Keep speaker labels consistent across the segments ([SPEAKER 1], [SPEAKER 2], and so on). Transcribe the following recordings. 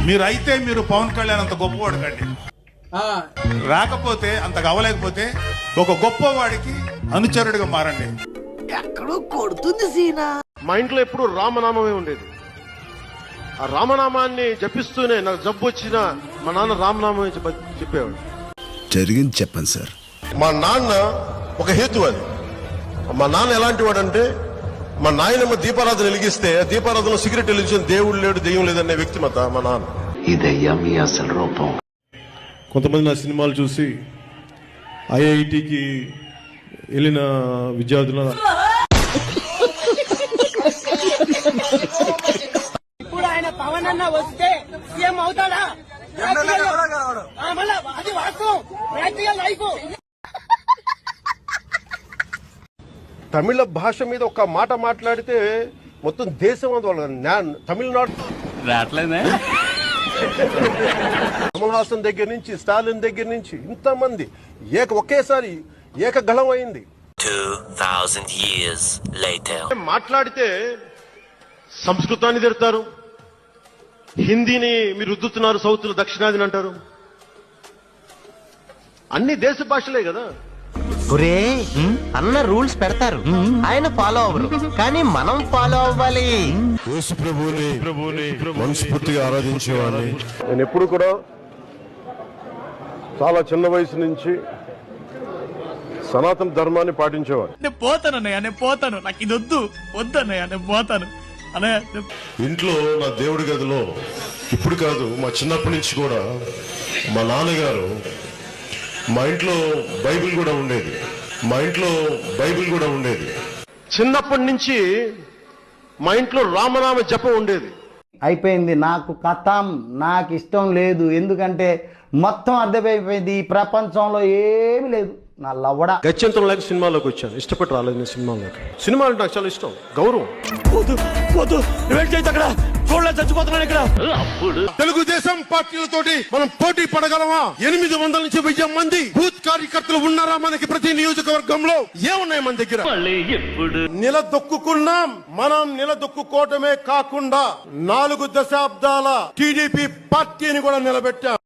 [SPEAKER 1] మీరైతే మీరు పవన్ కళ్యాణ్ అంత గొప్పవాడు కండి, రాకపోతే అంత అవ్వలేకపోతే ఒక గొప్పవాడికి అనుచరుడిగా మారండి.
[SPEAKER 2] ఎక్కడో కొడుతుంది సీనా.
[SPEAKER 3] మా ఇంట్లో ఎప్పుడు రామనామమే ఉండేది. ఆ రామనామాన్ని జపిస్తూనే నాకు జబ్బు వచ్చినా మా నాన్న రామనామం చెప్పేవాడు.
[SPEAKER 4] జరిగింది చెప్పండి సార్.
[SPEAKER 3] మా నాన్న ఒక హేతు అది. మా నాన్న ఎలాంటి వాడంటే, మా నాయనమ్మ దీపారాధన వెలిగిస్తే దీపారాధన సిగరెట్ వెలిగించిన దేవుడు లేడు దెయ్యం లేదనే వ్యక్తిమత మా నాన్న.
[SPEAKER 2] ఇదయ్యా మీ అసలు రూపం.
[SPEAKER 3] కొంతమంది నా సినిమాలు చూసి ఐఐటికి వెళ్ళిన విద్యార్థుల
[SPEAKER 5] ఇప్పుడు ఆయన పవన్ అన్న వస్తే సీఎం అవుతాడా? అది వాస్తవం, ప్రాక్టికల్ లైఫ్.
[SPEAKER 3] తమిళ భాష మీద ఒక మాట మాట్లాడితే మొత్తం దేశం తమిళనాడు
[SPEAKER 6] రావట్లేదే.
[SPEAKER 3] కమల్ హాసన్ దగ్గర నుంచి స్టాలిన్ దగ్గర నుంచి ఇంతమంది ఒకేసారి ఏకగళం అయింది.
[SPEAKER 7] 2000 years later.
[SPEAKER 3] మాట్లాడితే సంస్కృతాన్ని తిడతారు, హిందీని మీరు రుద్దుతున్నారు, సౌత్ లో దక్షిణాదిని అంటారు. అన్ని దేశ భాషలే కదా.
[SPEAKER 8] ఒరే అన్న రూల్స్ పెడతారు, ఆయన ఫాలో అవ్వరు, కానీ మనం ఫాలో అవ్వాలి.
[SPEAKER 4] యేసు ప్రభువుని మనస్ఫూర్తిగా ఆరాధించేవాడిని.
[SPEAKER 3] నేను ఎప్పుడు కూడా చాలా చిన్న వయసు నుంచి సనాతన ధర్మాన్ని పాటించేవాడు.
[SPEAKER 6] నేను పోతానన్నయ్య, నేను పోతాను, నాకు ఇది వద్దు వద్దన్నయ్య, నేను పోతాను అన్నయ్య.
[SPEAKER 4] ఇంట్లో నా దేవుడి గదిలో ఇప్పుడు కాదు, మా చిన్నప్పటి నుంచి కూడా మా నాన్నగారు మా ఇంట్లో బైబిల్ కూడా ఉండేది.
[SPEAKER 3] చిన్నప్పటి నుంచి మా ఇంట్లో రామనామ జపం ఉండేది.
[SPEAKER 9] అయిపోయింది నాకు కథం, నాకు ఇష్టం లేదు. ఎందుకంటే మొత్తం అర్థమైపోయింది, ఈ ప్రపంచంలో ఏమీ లేదు. నా లవ్వడ
[SPEAKER 3] గత్యంతరం లేక సినిమాలోకి వచ్చాను. ఇష్టపడి రాలేదు నేను సినిమాలోకి. సినిమా అంటే నాకు చాలా ఇష్టం, గౌరవం.
[SPEAKER 6] చచ్చిపోతున్నాను ఇక్కడ.
[SPEAKER 3] తెలుగుదేశం పార్టీలతోటి మనం పోటీ పడగలమా? 800 నుంచి 1000 మంది బూత్ కార్యకర్తలు ఉన్నారా మనకి ప్రతి నియోజకవర్గంలో? ఏమున్నాయి మన దగ్గర? నిలదొక్కున్నాం. మనం నిలదొక్కుకోవటమే కాకుండా 4 దశాబ్దాల టీడీపీ పార్టీని కూడా నిలబెట్టాం.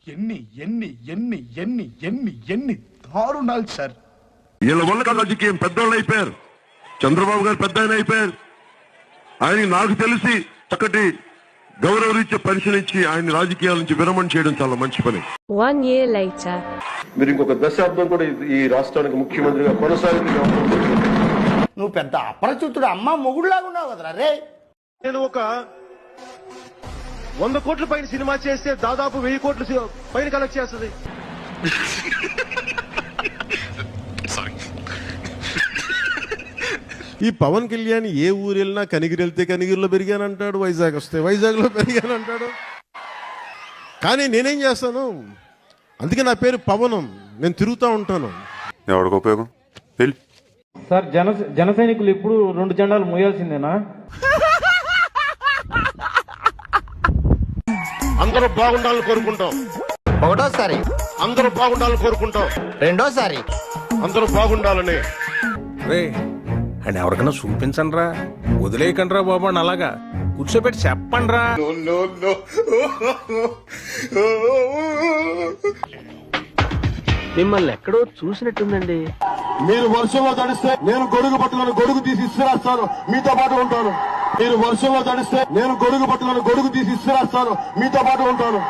[SPEAKER 1] ఎన్ని దారుణాలు సార్.
[SPEAKER 4] వీళ్ళ వల్ల రాజకీయం పెద్దోళ్ళు అయిపోయారు. చంద్రబాబు గారు పెద్ద ఆయన అయిపోయారు. ఆయన నాకు తెలిసి చక్కటి గౌరవరీత్యా పరిశీలించి ఆయన రాజకీయాల నుంచి విరమణ చేయడం చాలా మంచి పని.
[SPEAKER 10] 1 year later.
[SPEAKER 3] మీరు ఇంకొక దశాబ్దం కూడా ఈ రాష్ట్రానికి ముఖ్యమంత్రిగా కొనసాగింది.
[SPEAKER 9] నువ్వు పెద్ద అపరిచితుడు, అమ్మ మొగుడులాగా ఉన్నావు కదరా రే.
[SPEAKER 3] నేను ఒక 100 కోట్ల పైన సినిమా చేస్తే దాదాపు 1000 కోట్ల పైన కలెక్ట్ చేస్తుంది. ఈ పవన్ కళ్యాణ్ ఏ ఊరు వెళ్ళినా కనిగిరి వెళ్తే కనిగిరిలో పెరిగానంటాడు, వైజాగ్ వస్తే వైజాగ్లో పెరిగానంటాడు. కానీ నేనేం చేస్తాను, అందుకే నా పేరు పవనం. నేను తిరుగుతూ ఉంటాను.
[SPEAKER 1] ఎవరికి ఉపయోగం?
[SPEAKER 11] సార్ జన సైనికులు ఇప్పుడు 2 జెండాలు మోయాల్సిందేనా?
[SPEAKER 3] అందరూ బాగుండాలని కోరుకుంటాం.
[SPEAKER 8] ఒకటోసారి
[SPEAKER 3] అందరూ బాగుండాలని కోరుకుంటాం.
[SPEAKER 8] రెండోసారి
[SPEAKER 3] అందరూ బాగుండాలని.
[SPEAKER 6] అండ్ ఎవరికైనా చూపించండి రా, వదిలేయకండి రా బాబు అని అలాగా కూర్చోబెట్టి చెప్పండి రా.
[SPEAKER 8] మిమ్మల్ని ఎక్కడో చూసినట్టుందండి.
[SPEAKER 3] మీరు వర్షంలో తడిస్తే నేను గొడుగు పట్టులను గొడుగు తీసి ఇస్తురాస్తాను, మీతో పాటు ఉంటాను. మీరు వర్షంలో తడిస్తే నేను గొడుగు పట్టులను గొడుగు తీసి ఇస్తురాస్తాను, మీతో పాటు ఉంటాను.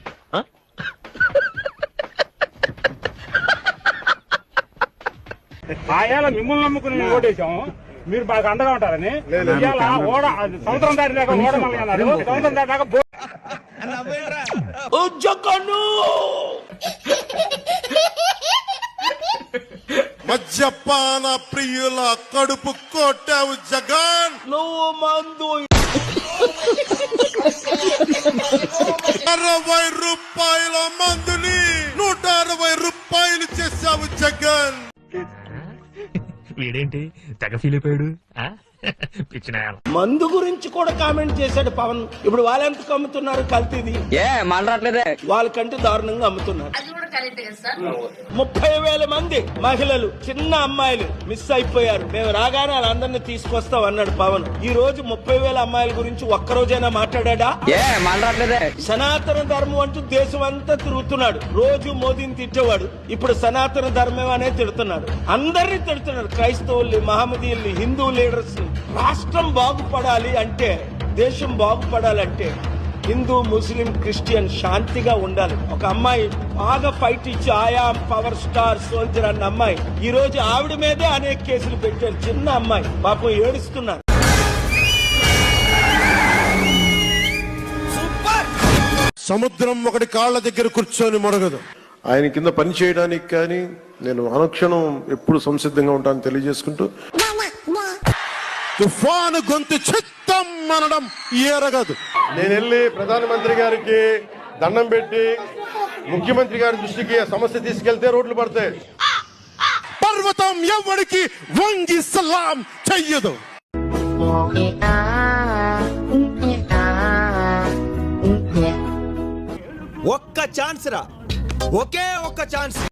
[SPEAKER 11] ఆయాల మిమ్మల్ని నమ్ముకుని ఓటేశాం, మీరు బాగా అండగా ఉంటారని. సంవత్సరం దాటి దాకా ఓడమని అన్నారు. సంవత్సరం దాటి దాకా
[SPEAKER 3] మద్యపాన ప్రియుల కడుపు కొట్టావు జగన్.
[SPEAKER 6] నువ్వు మందు
[SPEAKER 3] 60 రూపాయల మందుని 160 రూపాయలు చేశావు జగన్.
[SPEAKER 6] వీడేంటి తెగ ఫీల్ అయిపోయాడు.
[SPEAKER 5] మందు గురించి కూడా కామెంట్ చేశాడు పవన్. ఇప్పుడు వాళ్ళు ఎంత అమ్ముతున్నారు కల్తీది? వాళ్ళకంటే దారుణంగా అమ్ముతున్నారు. 30,000 మంది మహిళలు, చిన్న అమ్మాయిలు మిస్ అయిపోయారు. మేము రాగానే వాళ్ళందరినీ తీసుకొస్తాం అన్నాడు పవన్. ఈ రోజు 30,000 అమ్మాయిల గురించి ఒక్కరోజైనా మాట్లాడా? సనాతన ధర్మం అంటూ దేశం అంతా తిరుగుతున్నాడు. రోజు మోదీని తిట్టేవాడు, ఇప్పుడు సనాతన ధర్మం అనే తిడుతున్నాడు. అందరినీ తిడుతున్నాడు, క్రైస్తవుల్ని, మహమ్మదీయుల్ని, హిందూ లీడర్స్ ని. రాష్ట్రం బాగుపడాలి అంటే, దేశం బాగుపడాలంటే హిందూ, ముస్లిం, క్రిస్టియన్ శాంతిగా ఉండాలి. ఒక అమ్మాయి బాగా ఫైట్ ఇచ్చి ఆయా పవర్ స్టార్ సోల్జర్ అన్న అమ్మాయి ఈ రోజు ఆవిడ మీదే అనేక కేసులు పెట్టారు. చిన్న అమ్మాయి పాపం ఏడుస్తున్నారు.
[SPEAKER 3] సముద్రం ఒకటి కాళ్ళ దగ్గర కూర్చొని మొరగదు. ఆయన కింద పని చేయడానికి కానీ నేను అనుక్షణం ఎప్పుడు సంసిద్ధంగా ఉంటాను తెలియజేసుకుంటూ, తుఫాను గొంతు చిత్తం అనడం ఎరగదు. నేను వెళ్ళి ప్రధానమంత్రి గారికి దండం పెట్టి ముఖ్యమంత్రి గారి దృష్టికి సమస్య తీసుకెళ్తే రోడ్లు పడతాయి. పర్వతం ఎవరికి వంగి సలాం చెయ్యదు.
[SPEAKER 10] ఒక్క ఛాన్స్ రా, ఒకే ఒక్క ఛాన్స్.